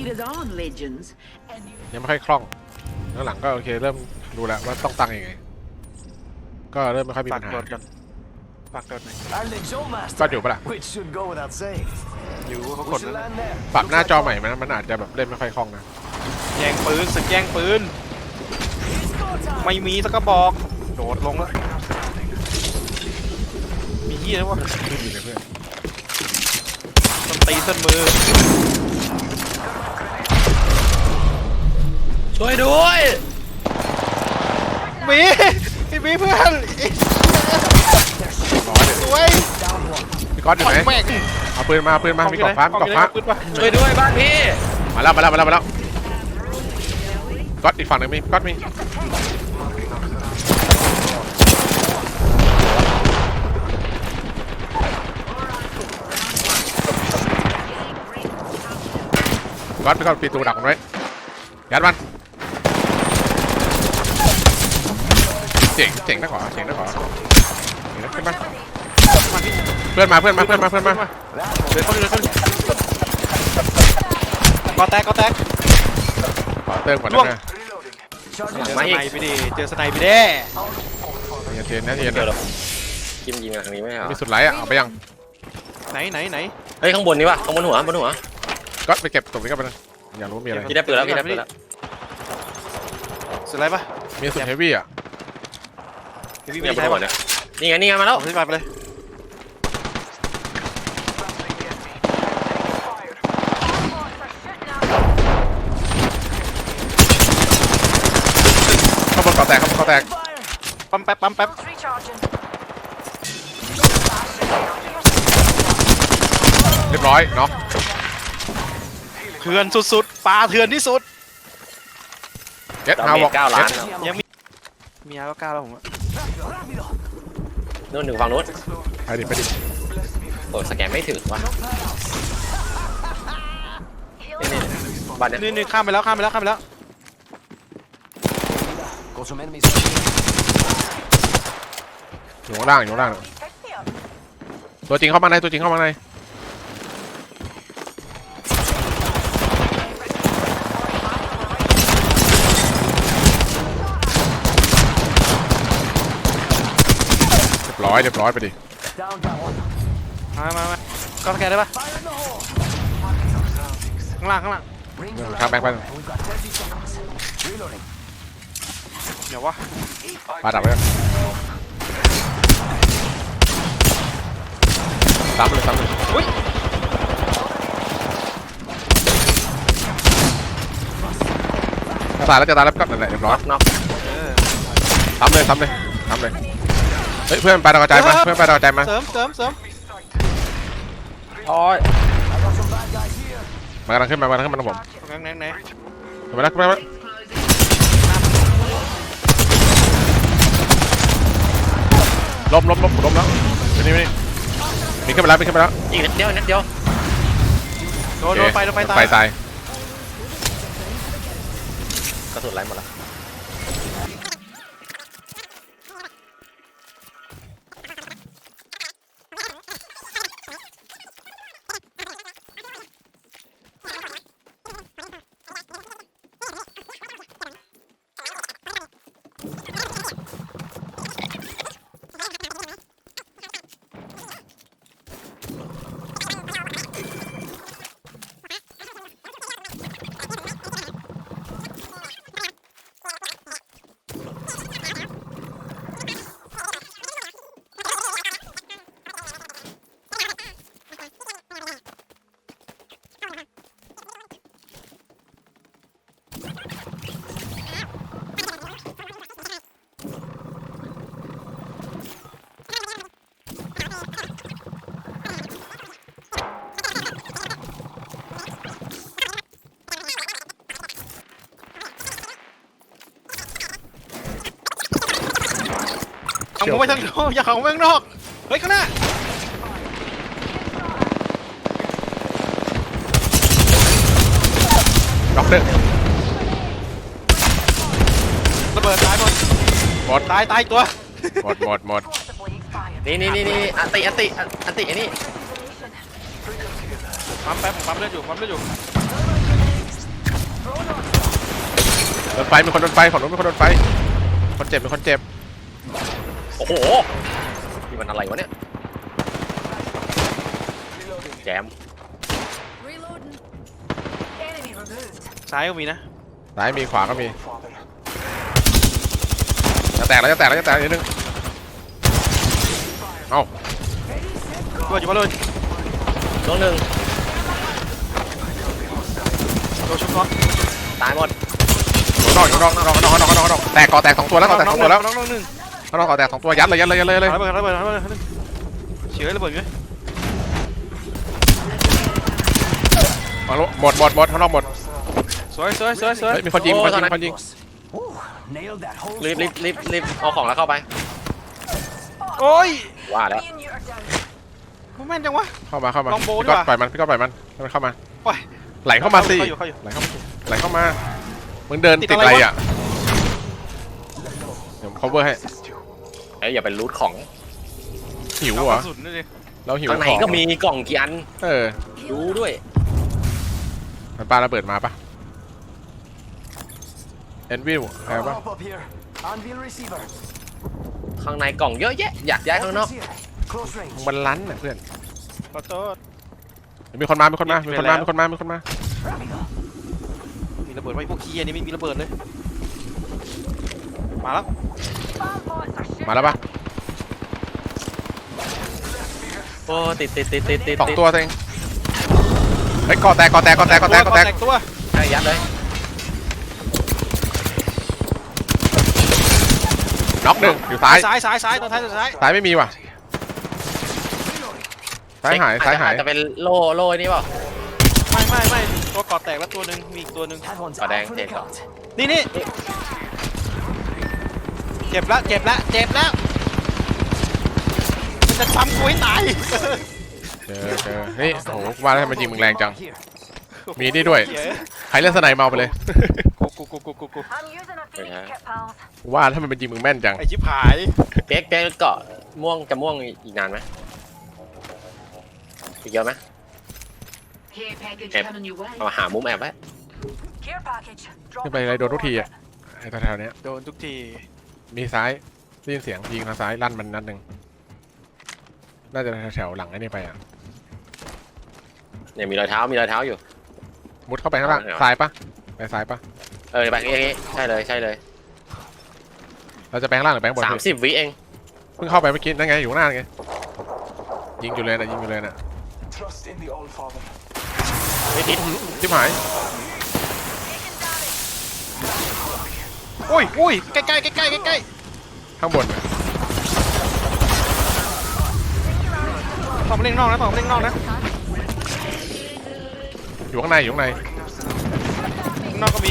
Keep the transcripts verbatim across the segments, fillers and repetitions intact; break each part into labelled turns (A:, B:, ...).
A: cheered on legends, and you
B: ยังไม่ค่อยคล่องแล้วหลังก็โอเคเริ่มรู้แล้วว่าต้องตั้งยังไงก็เริ่มไม่ค่อยมี
C: ฝา
B: ปั
C: ก
B: ญหา
C: โดดกันฝากโดดหน่อย
D: Our Lexo
B: ก็
D: master,
B: อยู่ปะล่ะ
D: which should go without saying.
C: อยู่เขาก
D: We
C: ด
D: should
C: แล้ว
D: land there.
B: ปรับหน้าจอใหม่มันมันอาจจะแบบเล่นไม่ค่อยคล่องนะ
C: แย่งปืนสึกแย่งปืนไม่มีสักกระบอกโดดลงแล้วมีเหี้ยแล้ววะ
B: ไม่มีเลยเพื่อน
C: ต้นตีต้นมือ
E: ช่วยด้วย
C: มีพี่มีเพื่อน
B: ร้อยเลย
C: สวย
B: พี่ก๊อตอยู่ไหน
C: แม่ง
B: เอาปืนมาเอาปืนมามีกล่องฟ้ามีกล่องฟ้า
C: ปืนปะ
E: ช่วยด้วยบ้านพี่
B: มาแล้วมาแล้วมาแล้วมาแล้วก๊อตอีกฝั่งหนึ่งมีก๊อตมีก๊อตพี่ก๊อตปีตูดักมันไว้ยัดมันเจ๋งเจ๋งนะขอเจ๋งนะขอเจ๋งนะขึ้นมาเพื่อนมาเพื่อนมาเพื่อนมาเพื่อนมา
C: เดินเข้าไปเดินเข้าไปก็แตกก็แตก
B: ขอเติมก่อน
C: ล่วง
B: นะ
C: เจอสไนไปดิเจอสไนไปดิ
B: อย่าเทียนนะเทียน
E: เดี๋ยว
B: นะ
E: เราคิมยิงมาทางนี้ไม่เหรอ
B: มีสุดไลท์อ่ะเอาไปยัง
C: ไหนไหนไหน
E: เฮ้ยข้างบนนี่วะข้างบนหัวบนหัว
B: ก็ไปเก็บตรงนี้ก็ไปนะอยากรู้มีอะไร
E: พี่ได้ปืนแล้วพี่ได้ปืนแล้ว
C: สุดไรปะ
B: มีสุดเฮฟวี่อ่ะ
C: พี่
E: เนี่
C: ไม่
E: ยบน
C: ใช่
E: หัว
C: ปะ
E: เนี่ยนี่ไงนี่ไงมาแล้ว
C: พี่ไปไปเลย
B: ข้างบนก่อแตกข้างบนก่อแตก
C: ปั๊มแป๊บปั๊มแป๊บ
B: เรียบร้อยเนาะ
C: เถื่อนสุดๆปลาเถื่อนที่สุด
B: เอ็ด
E: เรา
B: ฮาว
E: เม
B: บอก
E: เก้าล้าน
C: ยังมีมีอาร์ก็เก้าแล้วผมอะ
E: นู่นหนึ่งฝั่งนู้น
B: ไปดิไปดิ
E: โอ้สแกนไม่ถึงว่ะนี่นี่บ้านเนี้ย
C: นี่นี่ข้ามไปแล้วข้ามไปแล้วข้ามไปแล้ว
D: Got some enemies.
B: อยู่ข้างล่างอยู่ข้างล่างตัวจริงเข้ามาในตัวจริงเข้ามาในเรียบร้อยเรียบร้อยไปดิ
D: Down that one.
C: มามามาก็สแกนได้ปะ
D: Fire in the hole.
C: ข้างล่างข้างล่าง
D: Rings
B: ข้าม
D: around.
B: แบงค์ไป
D: We've got thirty seconds. Reloading.
C: เดี๋ยววะ
B: ปาดับไปซ้ำเลยซ้ำเลย
C: อุ้ย
B: จะตายแล้วจะตายแล้วก็นั่นแหละเรียบร้อย
E: น็อก
C: เออ
B: ซ้ำเลยซ้ำเลยซ้ำเลยเฮ้ยเพื่อนไปดาวกระจายมาเพื่อนไปดาวกระจายมา
C: เสริมเสริมเสริม
E: โอ้ย
D: I got some bad guys here.
B: มากำลังขึ้นมากำลังขึ้นมาตรงผม
C: ไหนไหนไหน
B: ขึ้นมาแล้วขึ้นมาแล้วล้มล้มล้มล้มแล้วไปนี่ไปนี่มีขึ้นมาแล้วมีขึ้นมาแล้ว
E: อีกนิดเดียวนิดเดียว
C: โดนโดนไฟโดนไฟตาย
B: ไฟตาย
E: กระสุนไหลหมดแล้ว
C: เอาผมไปทางนอกอย่าเขาไปข้างนอกเฮ้ยข้างหน้า
B: ด็อกเตอร์
C: ระเบิดตายหมด
B: หมด
C: ตายตายอีกตัว
B: หมดหมดหมด
E: นี่นี่นี่นี่อันติอันติอันติอันนี้
C: ปั๊มแป๊บปั๊มเลือดอยู่ปั๊มเลือดอยู่
B: โดนไฟมีคนโดนไฟฝั่งนู้นมีคนโดนไฟคนเจ็บมีคนเจ็บ
E: โอ้โหนี่มันอะไรวะเนี่ยแจม
A: Reloading. Enemy removed.
C: ซ้ายก็มีนะ
B: ซ้ายมีขวาก็มีจะแตกแล้วจะแตกแล้วจะแตกนิดนึงเอ้า
C: ตัวอยู่มาเลย
E: น้องหนึ่ง
C: ตัวชุบน็อก
E: ตายหมด
B: นอกนอกนอกนอกนอกนอกนอกนอกแตกก่อแตกสองตัวแล้วก่อแตกสองตัวแล้ว
C: น้องน้องหนึ่ง
B: นอกก่อแตกสองตัวยัดเลยยัดเลยยัดเลยเลย
C: ระเบิดระเบิดระเบิดระเบิดเฉยระเบิดอยู่
B: มาลุหมดหมดหมดข้างนอกหมด
C: สวยสวยสวยสวย
B: เฮ้ยมีคนยิงมีคนยิงมีคนยิง
D: Ooh, nailed that whole
E: รีบรีบรีบรีบเอาของแล้วเข้าไป
C: โอ้ย
E: ว่าแล้ว
A: Me and you are down.
C: มันแม่นจังวะ
B: เข้ามาเข้ามา
C: ลองโบว์
B: พี่ก็
C: ดีกว่า
B: ปล่อยมันพี่ก็ปล่อยมันให้มันเข้ามา
C: ปล่อย
B: ไหลเข้ามาสิ
C: เข้าอยู่เข้าอยู่
B: ไหลเข้ามาสิไหลเข้ามามึงเดิน
C: ติ
B: ติ
C: ด
B: ด
C: อะ
B: อะไร ไร
C: วะ
B: อ่ะเดี๋ยวผม cover ให้
E: เอ้ยอย่าเป็นรูทของ
B: หิว
C: เอา
B: เหร
C: ก
B: อ
C: ระสุนนี่ดิ
B: เราหิว
E: ข้างใน
B: ของ
E: ก็มีกล่องกี่อัน
B: เออ
E: รู้ด้วย
B: มันปาระเบิดมาปะเอ็นวิวใครปะ
D: Hop up here. Anvil receiver.
E: ข้างในกล่องเยอะแยะอยากย้ายข้างนอก
D: Weapons here. Close range.
B: มันลั้นน่ะเพื่อน
C: ขอโทษ
B: มีคนมามีคนมามีคนมามีคนมามีคนมา
C: มีระเบิดไว้พวกขี้อันนี้ไม่มีระเบิดเลยมาแล้ว
A: Bomb bots are shooting.
B: มาแล้วปะ
E: โอ้ติดติดติดติดติด
B: สองตัวเองเฮ้ยก่อแตกก่อแตกก่อแตกก่อแตกก่อแตก
C: ตัว
E: ใช่ยัดเลย
B: น็อกหนึ่งอยู่ซ้าย
C: ซ้ายซ้ายซ้ายตัวท้ายตัวท้าย
B: ซ้ายไม่มีว่ะซ้ายหายซ้ายหาย
E: จะเป็นโล่โล่นี่เปล่า
C: ไม่ไม่ไม่ตัวกอดแตกแล้วตัวหนึ่งมีอีกตัวหนึ่ง
D: That one's
E: Oh,
D: out
E: dang,
D: for the
E: take
D: count.
C: นี่นี่เจ็บแล้วเจ็บแล้วเจ็บแล้วมันจะซ้ำกูให้ตาย
B: เจอเจอนี่โอ้โหว่าแล้วทำไมยิงมึงแรงจัง
D: Here.
B: มีนี่ด้วย
C: เย้
B: ใครเล่นสไนเมาไปเลย
C: กูกูกูกูกูกู
A: I'm using a Phoenix
E: Yeah.
A: kit, pals.
B: ว่าถ้ามันเป็นยิงมึงแม่นจัง
C: ไอชิบหาย
E: เป๊กเป๊กเกาะม่วงจะม่วงอีกนานไหมอีกเยอะไหม
A: Care package
E: Yep.
A: coming your way.
E: เอาหามุมแอบไว้
A: Care package.
B: ขึ้นไปอะไรโดนทุกทีอ่ะไอ้แถวๆเนี้ย
C: โดนทุกที
B: มีซ้ายได้ยินเสียงยิงทางซ้ายลั่นมันนัดหนึ่งน่าจะแถวๆหลังไอ้นี่ไปอ่ะ
E: เนี่ยมีรอยเท้ามีรอยเท้าอยู่
B: มุดเข้าไปข้างล่าง
E: เอาเหรอ
B: ซ้ายปะไปซ้ายปะ
E: เออไปอย่างงี้ใช่เลยใช่เลย
B: เราจะไปข้างล่างหรือไปข้างบน
E: สามสิบวิเอง
B: เพิ่งเข้าไปเมื่อกี้นั่นไงอยู่ข้างหน้าไงยิงอยู่เลยนะยิงอยู่เลยนะ
D: Trust in the All Father.
E: ไม่ติด
B: ชิบหาย
C: อุ้ยอุ้ยใกล้ใกล้ใกล้ใกล้ใกล้
B: ข้างบนน่ะ
C: ต่อมาเล่นนอกนะต่อมาเล่นนอกนะ
B: อยู่ข้างในอยู่ข้างใน
C: ข้างนอกก็มี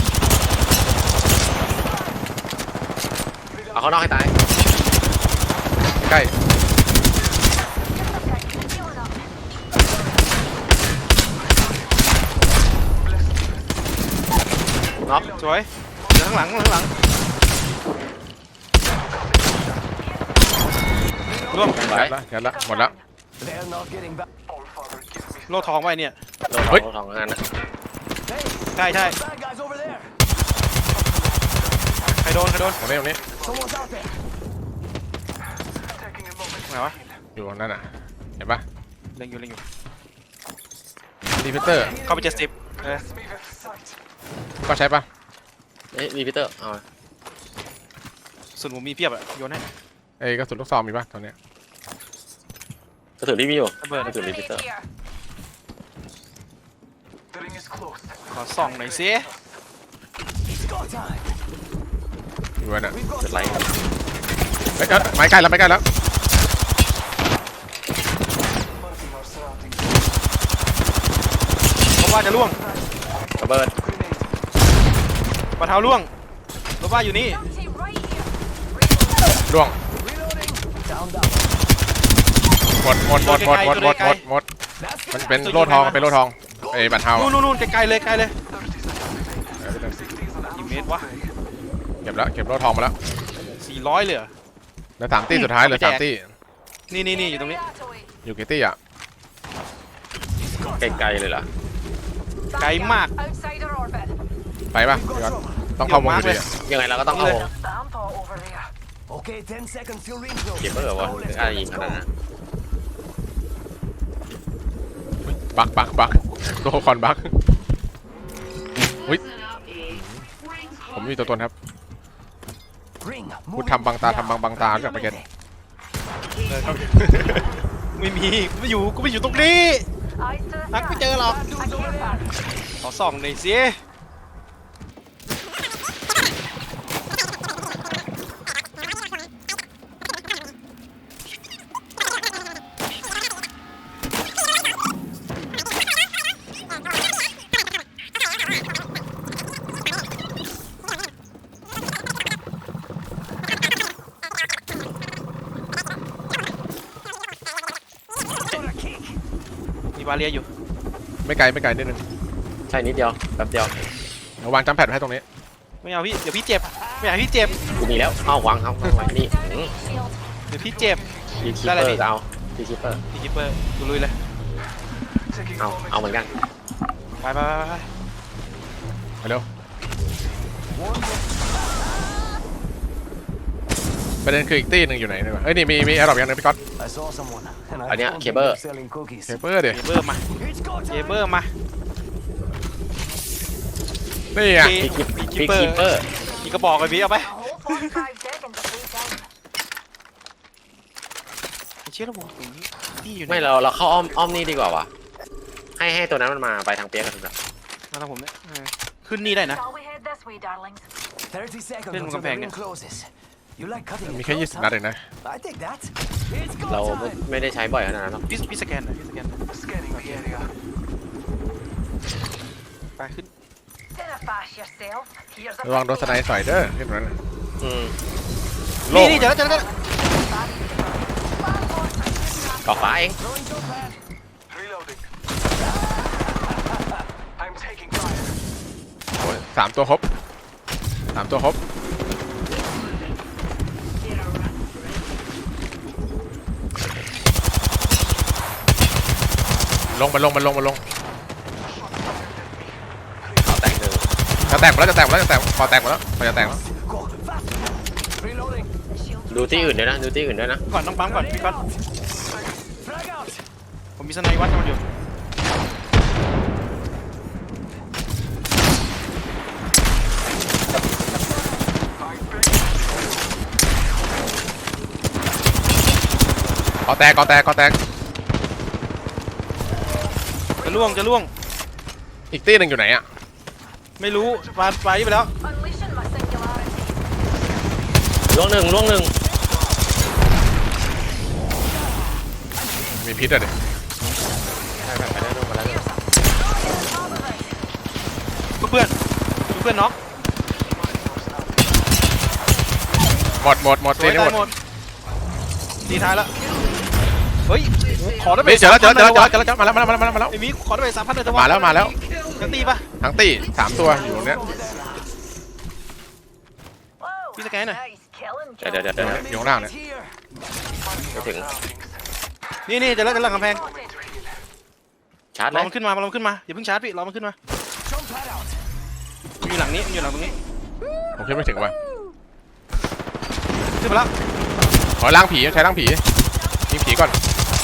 E: เอาข้างนอกให้ตาย
B: ใกล้
E: น็อก
C: สวยเดี๋ยวข้างหลังข้างหลังรวม
E: ไป
B: ยัดละยัดละหมดละ
D: They're not getting back.
C: โลทองไว้เนี่ย
E: โดน
B: เฮ้ย
E: ทองงานนะ
D: Hey,
C: ใช่ใช่
D: bad guys over there.
C: ใครโดนใครโดน
B: ตรงนี้ตรงนี้
D: Someone's out there.
C: ไหนวะ
B: อยู่ตรงนั้นอ่ะเห็นปะ
C: เล็งอยู่เล็งอยู่
B: รีพิเตอร์
C: เข้าไปเจ็ดสิบเออ
B: ก็ใช้ปะ
E: เอ้ยรีพิเตอร์เอา
C: ส่วนผมมีเพียบอะโยนให้
B: ไอ้กระสุนลูกซองมีปะตอนเนี้ย
E: กระสุนรีบมีอยู่
C: ระเบิด
E: กระสุนรีพิเตอร์
A: Here.
C: ขอส่องหน่อยสิ
D: It's go time.
B: อยู่นั่นอ่ะ
D: We've got
E: จุดไลท์
B: เฮ้ยเอ้ยไม้ใกล้แล้วไม้ใกล้แล้ว
C: เพราะว่าจะล่วง
E: ระเบิด
C: ปะเท้าล่วงรถว่าอยู่นี่
A: Empty right here.
B: ล่วง
D: reloading. Down, down.
B: หมดหมดหมดหมดหมดหมดหมดหมด
D: That's
B: มัน
D: good.
B: เป็นโล่ทองเป็นโล่ทองไอ้บัตรเทา
C: นู่นนู่นนู่นไกลๆเลยไกลเลยกี่เมตรวะ
B: เก็บแล้วเก็บโล่ทองมาแล้ว
C: สี่ร้อยเลยเหรอ
B: แล้วสามตี้สุดท้ายเหลยสามตี้
C: นี่นี่นี่อยู่ตรงนี้
A: That away.
B: อยู่กี่ตี้อ่ะ
E: ไกลๆเลยเหรอ
C: ไกลมาก
A: Outside our orbit.
B: ไปป่ะ
D: We've
B: พี่ก๊อ
D: got
B: ต
D: trouble.
B: ต้องเข้าวงอยู่ดีอะ
E: ยังไงเราก็ต้องเอา
A: Vampire over there.
D: Okay, ten seconds till ring close.
E: เก็บเบอร์วะ
D: Now
E: ถึ
D: let's
E: งอะไร
D: go,
E: ยิง
D: let's
E: ขนาด
D: go.
E: นั้น
B: บักบักบักตัวคอนบักอุ้ยผมมีตัวตนครับ
D: Ring.
B: พูด
D: moving.
B: ทำบังตาทำบังบังตาจากไปเก็ต
C: ไม่มีกูไม่อยู่กูไม่อยู่ตรงนี้
A: Eyes to the
C: นักไม่
A: sky.
C: เจอหรอก
A: A care package.
C: ขอส่องหน่อยสิมีบาเรียอยู่
B: ไม่ไกลไม่ไกลนิดนึง
E: ใช่นิดเดียวแป๊บเดียว
B: เดี๋ยววางจัมแพดไว้ให้ตรงนี้
C: ไม่เอาพี่เดี๋ยวพี่เจ็บไม่อยากให้พี่เจ็บ
E: กูมีแล้วเอาวางเอาวางไว้นี่
A: Shield.
C: เดี๋ยวพี่เจ็บ
E: ดีคิป
C: ได้
E: เป
C: เล
E: อย
C: พี่
E: ร์เอาดีคิปเปอร์
C: พี่คิปเปอร์ดูลุยเลย
E: เอาเอาเหมือนกัน
C: ไปไปไปไป
B: ไปเร็วประเด็นคืออีกตีหนึ่งอยู่ไหนเนี่ยวะเอ้ยนี่มีมีแอร์ดรอปอย่างหนึงพี่ก๊อต
D: I saw someone. And I
E: อันเนี้ย
D: told
E: เค
D: them
E: เบิล
D: they're selling cookies.
B: เคเปอร์เดี๋ยว
C: เจเบอร์มา
D: It's go
C: เจ
D: time.
C: เบอร์มา
B: นี่ไง
E: ดีคิป
C: พี่
E: ดีคิปเปอร์
C: มีกระบอกเลยพี่เอาไป
A: A whole forty-five seconds of free time.
C: เชื่อระบบนี้พี่อยู่ไหน
E: ไม่เราเราเข้าอ้อมอ้อมนี่ดีกว่าวะให้ให้ตัวนั้นมันมาไปทางเปียกกันถูกไหม
C: มาทางผมเนี่ยเออขึ้นนี่ได้นะ
A: Shall we head this way, darlings?
D: thirty seconds
C: Lên một
D: until
C: con
D: the
C: phèn
D: ring
C: kìa.
D: closes. You like cutting
B: มี
D: it
B: แค่ยี่
D: close,
B: สิบ
D: huh?
B: นัดเองนะ
D: I take that. It's go
E: เราไม่
D: time.
E: ไม่ได้ใช้บ่อยขนาดนั้นหรอก
C: พี่พี่สแกนหน่อยพี่สแกนหน่อย
D: Scanning the area.
C: ไปขึ้น
A: Dinner fast yourself. Here's a
B: ระวังโดนสไนด์สอยเด้อขึ้นมานะ
E: อืม
B: โล่
C: นี่
B: ง
C: นี่เจอแล้วเจอแล้ว
E: กอกฟ้าเอง
D: Throwing jump pad.
F: Reloading. I'm taking fire.
B: โอ้ยสามตัวครบสามตัวครบลงมันลงมันลงมันลง
E: เอาแตกหนึ่ง
B: จะแตกหมดแล้วจะแตกหมดแล้วจะแตกพอแตกหมดแล้วพอจะแตกแล้ว
D: Go fast. Reloading.
E: ดูที่อื่นด้วยนะดูที่อื่นด้วยนะ
C: ก่อนต้องปั๊มก่อนพี่ก๊อต
D: Frag out.
C: ผมมีสไนวัดมันอยู่
B: กอแตกกอแตกกอแตก
C: จะล่วงจะล่วง
B: อีกตีหนึ่งอยู่ไหนอ่ะ
C: ไม่รู้ปาปายี่ไปแล้ว
A: Unleashing my singularity.
E: ล่วงหนึ่งล่วงหนึ่ง
B: มีพิษอ่ะดิ
E: ใช่ใช่ไปได้ล่วงมาแล้ว
C: เพื่อนเพื่อนน็อก
B: หมดหมดหมด
C: ส
B: ตี
C: วย
B: นี้
C: ตา
B: หม
C: ย
B: ด
C: หมดตีท้ายแล้วเฮ้ยขอได้ไป
B: เจอแล้วเจอแล้วเจอแล้วเจอแล้วเจอแล้วมาแล้วมาแล้วมาแล้วมาแล้ว
C: ไอ้มีขอได้ไปสามพันเลยจะ
B: มาแล้วมาแล้ว
C: จะตีปะ
B: ทั้งตีสามตัวอยู่ตรงเนี้ย
A: Whoa,
C: Piece of cannon.
A: nice killing,
E: เดี๋ยวเดี๋ยวเดี๋ยวเดี๋ยว
D: Enemy
B: อยู่ข้างล่างเนี่ย
D: right here.
E: ไม่ถึง
C: นี่นี่จะเล่นจะเล่นกำแพง
E: ชาร์จ
C: ร
E: เล
C: อย มันขึ้นมารอมันขึ้นมาอย่าเพิ่งชาร์จพี่รอมันขึ้นมา
D: Jump pad out.
C: มันอยู่หลังนี้มันอยู่หลังตรงนี้
B: ผมคิดไม่ถึงว่ะ
C: ขึ้นมาแล้ว
B: ขอล้างผีใช้ล้างผียิงผีก่อน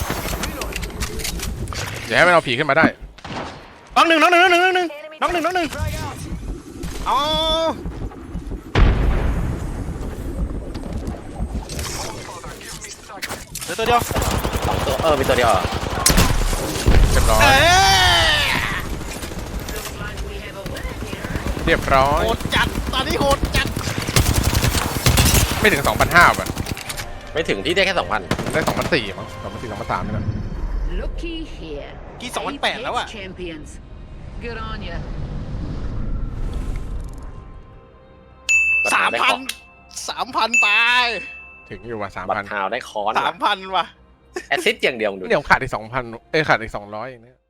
B: เดี๋ยวให้มันเอาผีขึ้นมาได้
C: น้องหนึ่งน้องหนึ่งน้องหนึ่งน้องหนึ่งน้องหนึ่งน้องหนึ่ง
D: Frag out.
C: เอาเหลือตัวเดียว
E: สองตัวเออมีตัวเดียวเหรอ
B: เรียบร้อย
C: เอ๊ะ
B: เรียบร้อย
C: โหดจัดตอนนี้โหดจัด
B: ไม่ถึงสองพันห้าป่ะ
E: ไม่ถึงที่ได้แค่สองพัน
B: ได้สองพันสี่มั้งสองพันสี่สองพันสามนี่แหละ
G: Looky here.
C: กี่สองพันแปดแล้วอะ
G: Apex champions. Good on ya.
C: สามพันสามพันไป
B: ถึงอยู่ว่ะสาม
E: บัต
B: พัน
E: รฮาวได้คอน
C: สามพันว่ะ
E: แอสซิสต์อย่างเดียวดู
B: เดี๋ยวขาดอีกสองพันเอ้ยขาดอีกสองร้อยเองเนี่ย